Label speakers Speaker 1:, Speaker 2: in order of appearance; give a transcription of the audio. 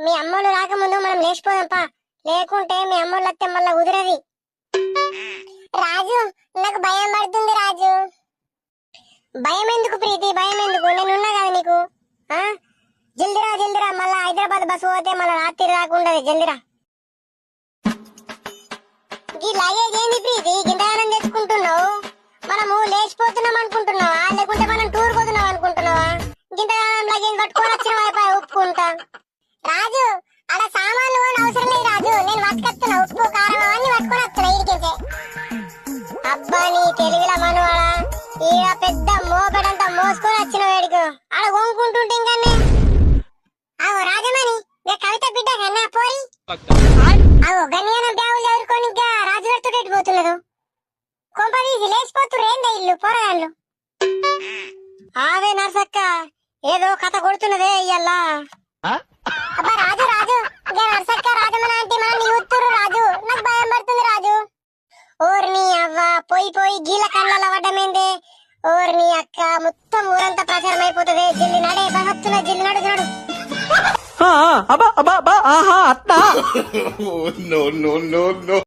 Speaker 1: మీ అమ్మోళ్ళు రాకముందు మనం లేచిపోదాంపా, లేకుంటే మీ అమ్మోళ్ళు వస్తే మళ్ళా కుదరది. రాజు, నాకు భయం పడుతుంది రాజు. భయం ఎందుకు ప్రీతి, భయం ఎందుకు? నేనున్నా కదా నీకు. జల్దిరా జల్దిరా, మళ్ళా హైదరాబాద్ బస్సు పోతే మళ్ళా రాత్రి రాకుండదు. జల్దిరా. ఈ లగేజ్ ఏంది ప్రీతి, గింతగానం తెచ్చుకుంటున్నావు? మనము లేచిపోతున్నాం అనుకుంటున్నావా, లేకుంటే మనం టూర్ పోతున్నాం అనుకుంటున్నావా? గింతగానం లగేజ్ పట్టుకొని వచ్చిన వైపు ఒప్పుకుంటా. రాజు, అక్కడ సామాన్లు అవసరం లేదు రాజు, నేను పట్టుకొస్తున్నా. ఉప్పు కారం అవన్నీ పట్టుకొని వస్తున్నా ఇడికించే. అబ్బా నీ తెలుగుల మనవాడా, ఈడ పెద్ద మోపెడంతా మోసుకొని వచ్చిన వేడికి ఆడ కొనుక్కుంటుంటే ఇంకనే. అవు రాజమణి, కవిత బిడ్డ కన్నా పోయి అవు గన్యానం బ్యాగులు ఎదుర్కొని ఇంకా రాజు పెడుతుంటే పోతున్నారు. కొంపదీసి లేచిపోతురు ఏందా ఇల్లు పోరాళ్ళు. ఆవే నర్సక్క, ఏదో కథ కొడుతున్నదే ఇయ్యల్లా. అబ్బా రాజు రాజు, ఇంకా నర్సక్క రాజమణ అంటే మనం యూతురు రాజు, నాకు భయం పడుతుంది రాజు. ఓర్ని అవ్వ, పోయి పోయి గీల కళ్ళ పడ్డమేందే. ఓర్ని అక్క, మొత్తం ఊరంతా ప్రచారం అయిపోతుంది. జల్లి నడే బహత్తున, జల్లి నడు నడు.
Speaker 2: అబ్బా అబ్బా అబ్బా, ఆహా అత్త.
Speaker 3: No, no, no, no.